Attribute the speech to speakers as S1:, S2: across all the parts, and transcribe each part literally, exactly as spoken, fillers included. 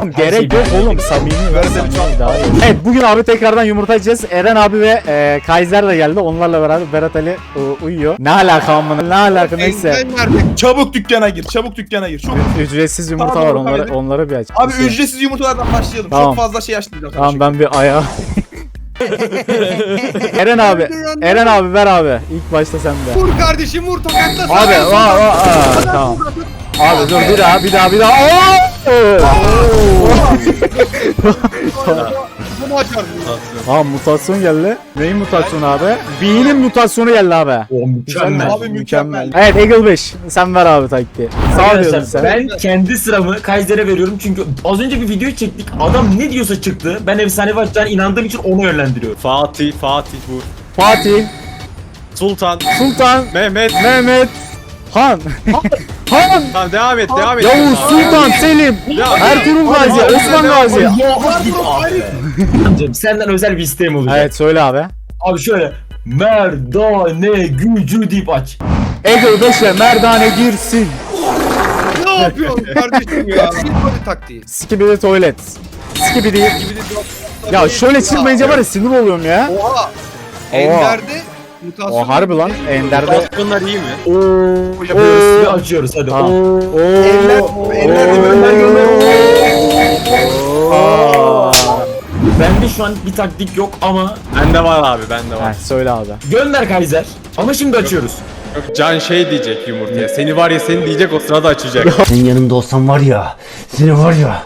S1: Gerek yok oğlum, samimi ver, samimi daha iyi. Evet, bugün abi tekrardan yumurta yiyeceğiz. Eren abi ve e, Kaiser de geldi. Onlarla beraber Berat Ali e, uyuyor. Ne alaka amına? Ne alaka neyse.
S2: Çabuk dükkana gir. Çabuk dükkana gir. Çok
S1: Ücretsiz yumurta
S2: Tamam,
S1: var,
S2: tamam,
S1: onları
S2: hadi.
S1: onları bir aç.
S2: Abi ücretsiz yumurtalardan başlayalım.
S1: Tamam.
S2: Çok fazla şey açmayacağım.
S1: Tamam, ben bir ayağa. Eren abi, Eren abi ver abi. İlk başta sen de.
S3: Vur kardeşim vur tokatla.
S1: Abi, aa, aa, aa, tamam. Abi dur, bir daha, bir daha, bir daha.
S3: Bunu açar.
S1: Aa, mutasyon geldi. Neyin mutasyonu abi? B'nin mutasyonu geldi abi.
S4: O mükemmel.
S2: Abi mükemmel.
S1: Evet, Eagle beş. Sen ver abi taktiği. Sağ ol diyordun sen.
S4: Ben kendi sıramı Kaiser'e veriyorum çünkü az önce bir video çektik. Adam ne diyorsa çıktı. Ben efsanevi açacağına inandığım için onu yönlendiriyorum.
S5: Fatih, Fatih vur.
S1: Fatih,
S5: Sultan,
S1: Sultan,
S5: Mehmet.
S1: Mehmet, Han. Han.
S5: Tamam devam et, devam et.
S1: Yavuz, Sultan, Selim, Ertuğrul Gazi, Osman Gazi.
S4: Ya git abi. Amcam senden özel bir isteğim olacak.
S1: Evet, söyle abi.
S4: Abi şöyle merdane gücü deyip aç.
S1: Eagle beşe merdane girsin.
S3: Ne yapıyorsun kardeşim ya? Bir taktiği.
S1: Skibidi tuvalet. Skibidi. Ya şöyle çıkmayınca var ya sinir oluyorum ya.
S3: Oha. Ender'de mutasyon.
S1: O harbi lan, Ender'de.
S5: Mutasyonlar iyi mi?
S4: Oo yapıyoruz ve açıyoruz hadi.
S1: Ha.
S4: Oo.
S1: Oo.
S2: Ellerde gönder gönder.
S1: Aa.
S4: Bende şu an bir taktik yok ama
S5: Bende var abi, bende var.
S1: Heh, söyle abi.
S4: gönder Kaiser. Ama şimdi açıyoruz.
S5: Yok, Can şey diyecek yumurtaya. Seni var ya, seni diyecek, o sırada açacak.
S6: Senin yanında olsam var ya, seni var ya.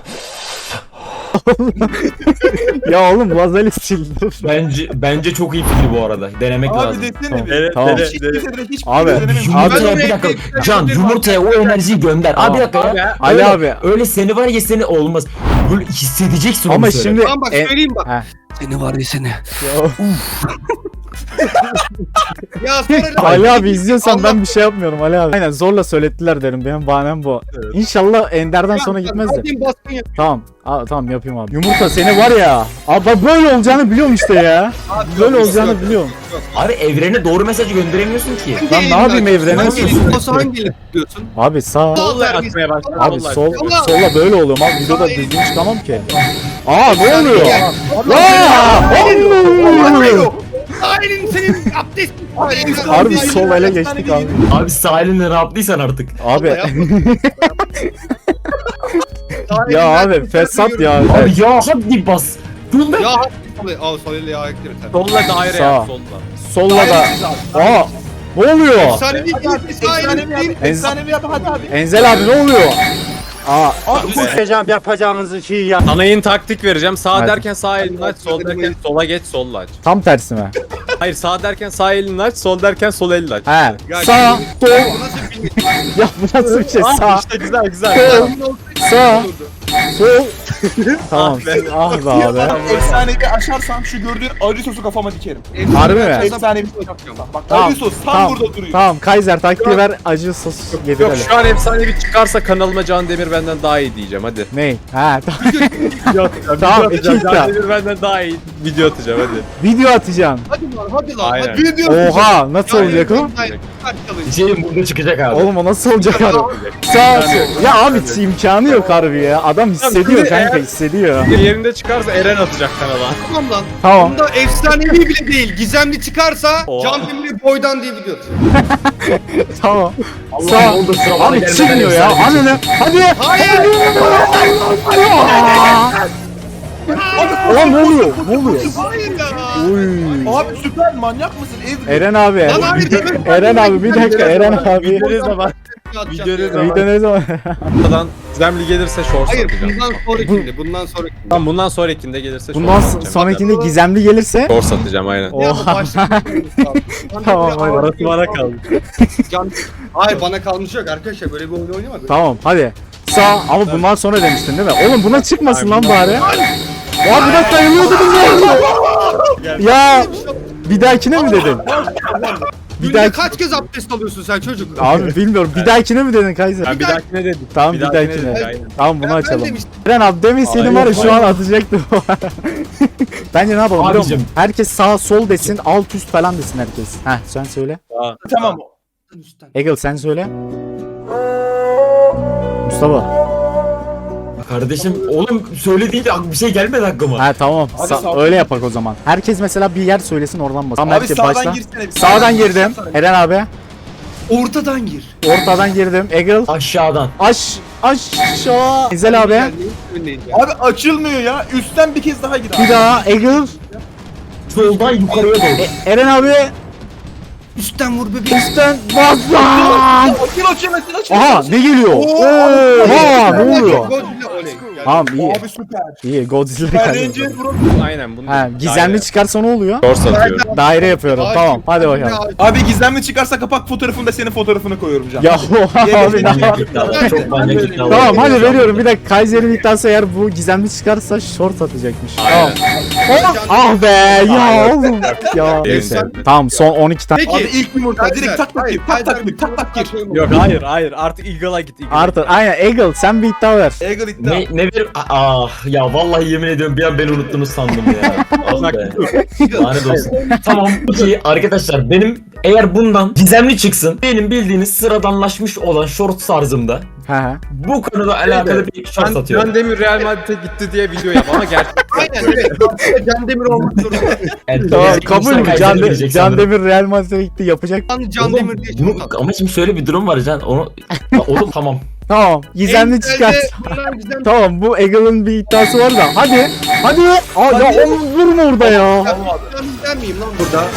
S1: Ya oğlum Lazali sildim.
S4: Bence bence çok iyi fikir bu arada. Denemek
S2: Abi
S4: lazım.
S2: desene bir.
S5: Evet,
S1: Tamam.
S5: evet,
S2: Hiç
S5: evet.
S2: kimse de hiç
S1: Abi,
S2: kimse denememiş.
S4: Yumurtaya
S3: Ben
S4: bir dakika.
S3: oraya-
S4: Can yumurtaya o enerjiyi gönder. Abi bir dakika ya.
S1: Ali
S4: Öyle-
S1: abi.
S4: Öyle seni var ya seni olmaz. Böyle hissedeceksin
S1: Ama
S4: onu söyle.
S1: şimdi
S3: Tamam bak
S1: e,
S3: söyleyeyim bak.
S1: Heh.
S3: Seni var ya seni.
S1: Ya,
S3: Ya sonra
S1: Ali abi izliyorsan
S3: Allah-
S1: ben bir şey yapmıyorum Ali abi. Aynen, zorla söylettiler derim, benim bahanem bu. İnşallah Ender'den sonra gitmez de.
S3: Hadi baskın yap.
S1: Tamam. Aa, tamam yapayım abi. Yumurta seni var ya. Abi ben böyle olacağını biliyorum işte ya. Böyle olacağını biliyorum.
S4: Abi evrene doğru mesajı gönderemiyorsun ki.
S1: Lan ne yapayım evrene?
S3: Hangi elini olsa hangi elini tutuyorsun?
S1: Abi sağ.
S5: Solla atmaya başladı.
S1: Abi
S5: solla
S1: sol,
S5: atmaya.
S1: solla böyle oluyorum abi, videoda düzgün çıkamam ki. Aa, ne oluyor?
S3: Gel.
S1: Aa!
S3: Ailin senin abdestin.
S1: Harbi sol ele geçtik abi.
S4: Abi sahilinden rahatlıysan artık.
S1: Abi ya abi fesat ya.
S4: Abi ya hadi bas. Gönder.
S3: Ya hadi. Al sol eli ayak direkt.
S5: Solla daire
S1: Sağ.
S5: yap, solla.
S1: Solla da. Aa, ne oluyor?
S3: Efsanevi bir
S2: Efsanevi yap.
S3: ailin.
S2: Efsanevi yap hadi abi.
S1: Enzel abi ne oluyor? Aa,
S6: Yapacağım yapacağınızı şey ya.
S5: Sana yeni taktik vereceğim. Sağ
S1: Hadi.
S5: derken sağ elini aç, sol derken sola geç, solla aç.
S1: tam tersi mi?
S5: Hayır, sağ derken sağ elini aç, sol derken sol elini aç.
S1: He.
S3: Ya
S1: Sağ,
S3: Bu
S1: sol.
S3: nasıl bir bilgi?
S1: Ya bu nasıl bir şey?
S5: Ah,
S1: Sağ,
S5: işte güzel güzel.
S1: sol, sağ, sol. Tamam. Ah be abi.
S2: Efsanevi açarsam şu gördüğün acı sosu kafama dikerim.
S1: Harbi mi?
S2: Efsanevi bak
S1: Tamam,
S2: acı sos tam
S1: tamam,
S2: burada duruyor.
S1: Tamam, Kaiser taktiği ver, acı sos
S5: Yok,
S1: yedirelim.
S5: şu an efsanevi çıkarsa kanalıma Can Demir benden daha iyi diyeceğim, hadi.
S1: Ney? Ha, tamam.
S5: Video
S1: Tamam,
S5: atacağım,
S1: iki
S5: Can
S1: iddia.
S5: Demir benden daha iyi video atacağım, hadi.
S1: Video atacağım.
S3: Hadi lan hadi lan.
S5: Aynen.
S3: Hadi video
S1: Oha, nasıl olacak o?
S4: Şeyim burada çıkacak abi.
S1: Oğlum o nasıl olacak abi? Sağ sol. Ya abi imkanı yok harbi ya. Adam hissediyor kanka, hissediyor.
S5: Yerinde çıkarsa Eren atacak kanala.
S3: Tamam lan.
S1: Tamam.
S3: Bunda efsanevi bile değil. Gizemli çıkarsa
S5: Oha.
S3: Can Demir'i boydan diye video.
S1: Tamam.
S4: Allah
S1: Sağ.
S4: oldu sıra bana
S1: Abi
S4: gelmeden
S1: çıkmıyor ya.
S4: efsane bir
S1: Ananı. Hadi.
S3: Hayır.
S1: Ulan ne oluyor? Ne oluyor?
S3: Hayır ya.
S1: Uy.
S2: Abi süper manyak mısın? Ev
S1: Eren abi.
S3: Lan hayır demir.
S1: Eren abi bir dakika, Eren abi.
S5: Video ne zaman? Video ne zaman?
S1: Video ne zaman?
S5: Buradan Gizemli gelirse shorts
S3: Hayır
S5: atacağım.
S3: bundan sonrakinde. Bundan sonrakinde.
S5: Tamam, bundan sonrakinde gelirse shorts
S1: Bundan
S5: atacağım.
S1: sonrakinde gizemli gelirse.
S5: Shorts atacağım aynen.
S3: Ya bu
S1: Oha.
S3: başlık-
S1: Tamam, hadi.
S5: Parası bana kaldı.
S3: Can... Hayır bana kalmış yok arkadaşlar böyle bir oyun oynamadık.
S1: Tamam hadi. Sağ, ama bundan sonra demiştin değil mi? Oğlum buna çıkmasın lan bari. Ya buna sayılıyordu bunlar. Ya bir dahakine mi dedin? Bir
S3: Günde
S1: dahaki...
S3: kaç kez abdest alıyorsun sen çocuk?
S1: Abi bilmiyorum. Bir dahakine mi dedin Kaiser?
S5: Ben bir dahakine dedim.
S1: Tamam bir,
S5: Bir dahakine
S1: dahakine.
S5: dedim, aynen.
S1: Tamam bunu
S3: Ben- ben
S1: açalım.
S3: demiştim.
S1: Eren abi demeseydin var ya şu an atacaktım. Bence ne yapalım biliyor musun?
S4: Abicim.
S1: Herkes sağ sol desin, alt üst falan desin herkes. Heh sen söyle.
S2: tamam.
S1: Egil sen söyle. Mustafa.
S4: Kardeşim oğlum söylediğinde bir şey gelmedi aklıma.
S1: Ha tamam.
S2: Abi
S1: Sa-
S2: sağ-
S1: öyle yapak o zaman. Herkes mesela bir yer söylesin oradan bas. Tamam,
S2: Abi
S1: herkes
S2: sağdan
S1: başla.
S2: girsene. bir.
S1: Sağdan girdim. Eren abi.
S3: Ortadan gir.
S1: Ortadan girdim. Eagle.
S4: Aşağıdan.
S1: Aş aşağı. Enzel abi.
S2: Abi açılmıyor ya. Üstten bir kez daha gir abi.
S1: Bir daha Eagle.
S4: Soldan yukarıya doğru.
S1: E- Eren abi.
S3: Üstten vur bebeğim.
S1: Üstten bas lan.
S2: Açıl açıl açıl açıl.
S1: Aha ne geliyor? Oha ne oluyor?
S3: Godzilla oley.
S1: Tamam iyi.
S2: Abi süper.
S1: İyi Godzilla
S2: Süper
S1: geldi.
S2: Ranger Bro.
S5: Aynen bunu.
S1: Ha gizemli çıkarsa ne oluyor?
S5: Short satıyor.
S1: Daire yapıyorum. Tamam hadi bakalım.
S2: Abi gizemli çıkarsa kapak fotoğrafında senin fotoğrafını koyuyorum canım.
S1: Ya abi ne
S4: Manyak iddialar. Çok manyak iddialar.
S1: Tamam hadi veriyorum. Bir dakika Kaiser'in iddiası eğer bu gizemli çıkarsa short atacakmış. Tamam. Ah be ya oğlum. Ya neyse. Tamam son on iki tane.
S2: Abi ilk yumurta direkt tak tak gir. Tak tak gir. Tak tak gir.
S5: Yok hayır hayır artık Eagle'a git. Eagle'a.
S1: Artı aynen Eagle sen bir iddia ver.
S2: Eagle iddia.
S4: Ne, ne bir... Ah ya vallahi yemin ediyorum bir an beni unuttunuz sandım ya. Ah be. Lanet olsun. Tamam peki arkadaşlar benim eğer bundan gizemli çıksın benim bildiğiniz sıradanlaşmış olan short tarzımda
S1: He he.
S4: bu konuda alakalı bir short
S5: Can,
S4: satıyorum.
S5: Can Demir Real Madrid'e gitti diye video yap ama gerçek.
S3: Aynen evet. Can Demir olmak zorunda.
S4: Yani
S1: Tamam
S4: gelecek
S1: kabul
S4: insan
S1: mü?
S4: Kaiser'e
S1: Can,
S4: girecek
S1: Can
S4: sanırım.
S1: Demir Real Madrid'e gitti yapacak.
S3: Can, Can
S4: Oğlum,
S3: Demir diye
S4: bunu,
S3: çok
S4: ama şimdi şöyle bir durum var Can onu ya oğlum tamam.
S1: Tamam gizemli çıkart.
S3: Gizemli.
S1: Tamam bu Eagle'ın bir iddiası var da hadi. Hadi. Aa ya oğlum durma orada ya.
S3: Ben miyim lan burada?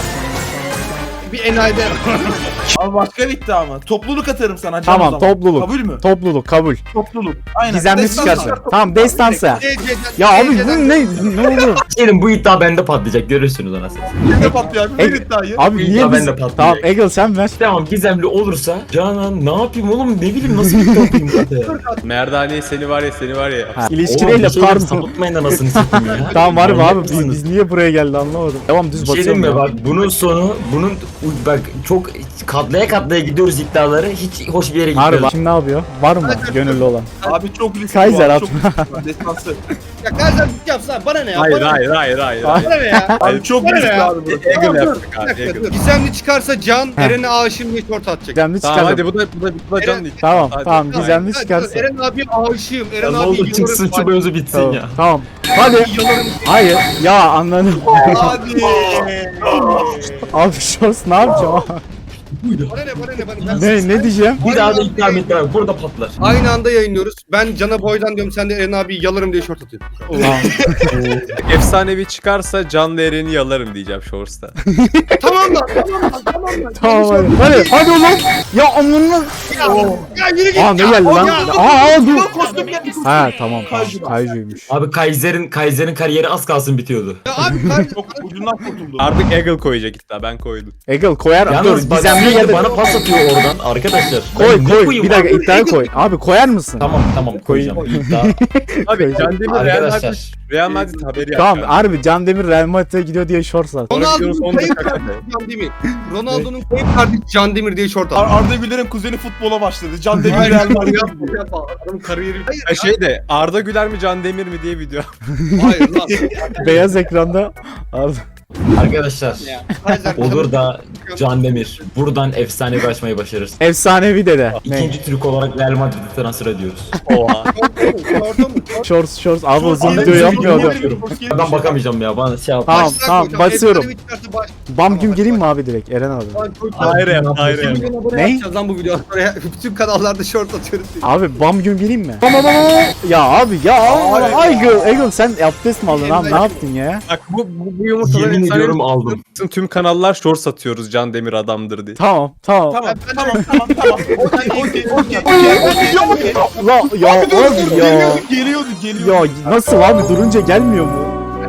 S3: Bir enayide.
S2: Abi başka bir iddia mı? Topluluk atarım sana can
S1: Tamam
S2: o zaman.
S1: topluluk.
S2: Kabul mü?
S1: Topluluk kabul.
S2: Topluluk. Aynen.
S1: Gizemli
S2: Destansı.
S1: çıkarsa. Tamam destansa.
S3: C C'den.
S1: Ya abi bu ne? Ne oldu?
S4: Senin bu iddia bende patlayacak görürsünüz anasını.
S2: Ne patlıyor abi? Ver
S1: Eg-
S2: iddiayı.
S1: Abi
S4: İddia
S1: niye biz...
S4: bende patlayacak.
S1: Tamam Eagle sen ver.
S4: Tamam gizemli olursa Canan ne yapayım oğlum ne bileyim nasıl bir iddia yapayım hadi.
S5: Merdane seni var ya seni var ya.
S1: Ha,
S4: Oğlum,
S1: ilişkiyle
S4: bir şeyleri
S1: pardon.
S4: sapıtmayın anasını satayım ya.
S1: Tamam var mı
S4: Manyak
S1: abi biz,
S4: mısınız?
S1: biz niye buraya geldi anlamadım. Tamam düz
S4: Bir şey diyeyim
S1: basıyorum
S4: mi
S1: ya.
S4: bak bunun sonu bunun bak çok katlaya katlaya gidiyoruz iddiaları hiç hoş bir yere
S1: Harbi
S4: gitmiyoruz.
S1: kim ne yapıyor? Var mı gönüllü olan?
S2: Abi çok riskli.
S1: Kaiser
S2: bu
S1: at.
S2: abi, çok riskli bu. Destansı.
S3: Ya Kaiser bir yapsın abi bana ne ya?
S5: Hayır
S3: Bana ne?
S5: hayır hayır hayır. hayır.
S3: Bana ne ya?
S2: Abi çok
S3: Bana ne
S2: riskli
S3: ya?
S2: abi bu.
S5: Eagle
S3: Tamam, dur.
S5: yaptık
S3: Bir
S5: abi.
S3: dakika
S5: Eagle.
S3: dur. Gizemli çıkarsa Can
S1: Heh.
S3: Eren'e aşığım diye short atacak.
S1: Gizemli
S5: Tamam
S1: çıkardım.
S5: hadi bu da bu da bu da Can değil.
S1: Tamam
S5: Hadi.
S1: tamam gizemli
S3: Hadi,
S1: çıkarsa.
S3: Eren abiye aşığım. Eren
S4: Ya ne
S3: abi
S4: olur çıksın şu mevzu bitsin
S1: Tamam.
S4: ya.
S1: Tamam. Hadi. Hayır. Ya anladım.
S2: Hadi.
S1: Abi shorts ne yapacağım?
S3: Bana ne bana ne bana ne?
S1: ne ne diyeceğim?
S4: Bir daha da iddia et bak burada patlar.
S3: Aynı anda yayınlıyoruz. Ben Can'a boydan diyorum sen de Eren abi yalarım diye short atıyorsun.
S5: Efsanevi çıkarsa Can Eren'i yalarım diyeceğim Shorts'ta.
S3: Tamam lan tamam lan tamam lan.
S1: Tamam hadi. Hadi hadi oğlum. Ya amına.
S3: Ya yürü git.
S1: Aa ne
S3: ya.
S1: geldi lan?
S3: Ya,
S1: Aa aa dur.
S2: Kostüm geldi.
S1: Ha tamam tamam.
S2: Kaiser.
S1: Kaiju'ymuş.
S4: Abi Kaiser'in Kaiser'in kariyeri az kalsın bitiyordu.
S3: Ya abi kar-
S2: Çok ucundan kurtuldu.
S5: Artık Eagle koyacak iddia ben koydum.
S1: Eagle koyar. Dur
S4: Yalnız bak
S1: gizemli
S4: sürekli
S1: geldi.
S4: bana pas atıyor oradan arkadaşlar.
S1: Koy
S4: Ben ne
S1: koy.
S4: koyayım
S1: Bir dakika
S4: abi?
S1: iddiaya koy. Abi koyar mısın?
S4: Tamam tamam koyacağım. İddia.
S5: Abi Can Demir Real
S4: Arkadaşlar.
S5: Madrid Real Madrid haberi
S1: Tamam
S5: yaptı.
S1: harbi Can Demir Real Madrid'e gidiyor diye shorts at.
S3: Ronaldo'nun kayıp kardeşi Can Demir. Ronaldo'nun kayıp kardeşi Can Demir diye short
S2: Ar
S3: attı.
S2: Arda Güler'in kuzeni futbola başladı. Can Demir Real Madrid.
S3: Adamın kariyeri. Hayır,
S5: Ha şey de Arda Güler mi Can Demir mi diye video.
S3: hayır lan.
S1: Beyaz ekranda. Arda.
S4: Arkadaşlar
S3: Ya, Kaiser
S4: olur da Can Demir buradan efsane bir açmayı başarırsın.
S1: Efsanevi dede. Ne?
S4: İkinci Türk olarak Real Madrid'e transfer ediyoruz.
S5: Oha.
S3: Orada mı?
S1: Shorts shorts. Abi o
S2: Shorts
S1: video
S2: yedi,
S1: yapmıyordu.
S2: yedi, yedi.
S4: Ben bakamayacağım ya bana şey yap.
S1: Tamam
S3: Başlar
S1: tamam
S3: koyacağım.
S1: basıyorum.
S3: Efsanevi çıkarsa baş-
S1: Bam güm gireyim mi abi direkt Eren abi?
S3: Lan çok-
S5: Daire yap daire yap.
S3: Bir milyon abone
S1: Ne?
S3: yapacağız lan bu videodan sonra. Bütün kanallarda short atıyoruz.
S1: Abi bam güm gireyim mi? Bam bam bam. Ya abi ya
S2: Abi.
S1: Eagle Eagle sen abdest mi aldın abi ne yaptın ya?
S5: Bak bu bu, bu yumurtaları
S4: Yemin
S5: efsanevi
S4: ediyorum aldım.
S5: çıksın, tüm kanallar short satıyoruz Can Demir adamdır diye.
S1: Tamam tamam.
S2: Tamam tamam tamam tamam. Okey okey okey okey okey.
S1: La ya abi ya.
S2: Geliyordu geliyordu.
S1: Ya nasıl abi durunca gelmiyor mu?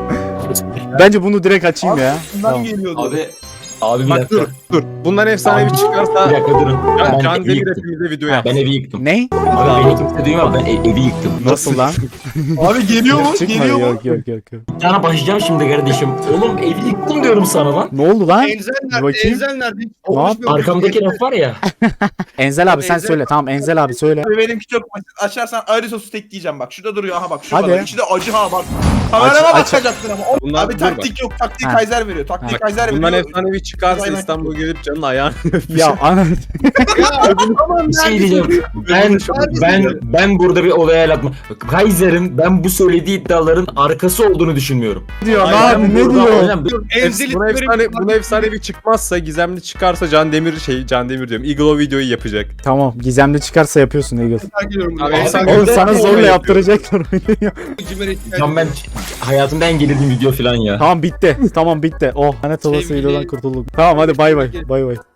S1: Bence bunu direkt açayım ya.
S2: Bundan
S1: Tamam.
S2: geliyordu.
S4: Abi abi bir
S5: Bak
S4: dakika.
S5: dur dur. Bundan efsanevi
S4: Bir
S5: çıkarsa
S4: dakika durun.
S5: Can,
S4: Ben
S5: Can
S4: evi
S5: Demir
S4: yıktım.
S5: hepimize video
S4: Ha,
S5: yap.
S4: ben evi yıktım.
S1: Ne?
S4: Abi beni kimse duymuyor ama ben e- evi yıktım.
S1: Nasıl lan?
S2: Abi geliyor mu?
S1: Çıkma
S2: Geliyor mu?
S1: yok yok yok. yok.
S4: Sana başlayacağım şimdi kardeşim. Oğlum evi yıktım diyorum sana lan.
S1: Ne oldu lan?
S3: Enzel nerede?
S1: Bakayım.
S3: Enzel nerede?
S1: Ne yap-
S4: Arkamdaki laf var ya.
S1: Enzel abi sen
S3: Enzel-
S1: söyle. Tamam Enzel abi söyle.
S2: Abi benimki çok basit. Açarsan ayrı sosu tekleyeceğim bak. Şurada duruyor aha bak. Şurada.
S1: Hadi.
S2: İçi de acı ha bak. Kamerama
S1: Aç- aç-
S2: bakacaktın ama. O-
S5: Bundan
S2: abi
S5: dur
S2: taktik yok. Taktik
S1: Ha.
S2: Kaiser veriyor. Taktik
S5: Bak,
S2: Kaiser
S5: bundan
S2: veriyor.
S5: efsanevi çıkarsa İstanbul'a gelip canın ayağını
S1: Ya ana.
S4: Bir şey diyeceğim. Ben ben ben burada bir olaya el atma. Kaiser'in ben bu söylediği iddiaların arkası olduğunu düşünmüyorum.
S1: diyor
S4: Ben
S1: abi ne
S4: burada-
S1: diyor?
S4: Hocam,
S3: Enzeli
S5: Buna efsane, buna efsane bir çıkmaz Gizemli çıkarsa Can Demir şey Can Demir diyorum. Eagle o videoyu yapacak.
S1: Tamam gizemli çıkarsa yapıyorsun Eagles.
S5: Abi,
S3: Abi,
S5: sen-
S1: Oğlum
S5: Ben
S1: sana
S5: de
S1: zorla
S5: yapıyorum.
S1: yaptıracaklar oyunu.
S4: Can ben hayatımda en gerildiğim video falan ya.
S1: Tamam bitti. Tamam bitti. Oh lanet olası
S3: Sevgili-
S1: videodan kurtulduk. Tamam hadi bay bay. Bay bay.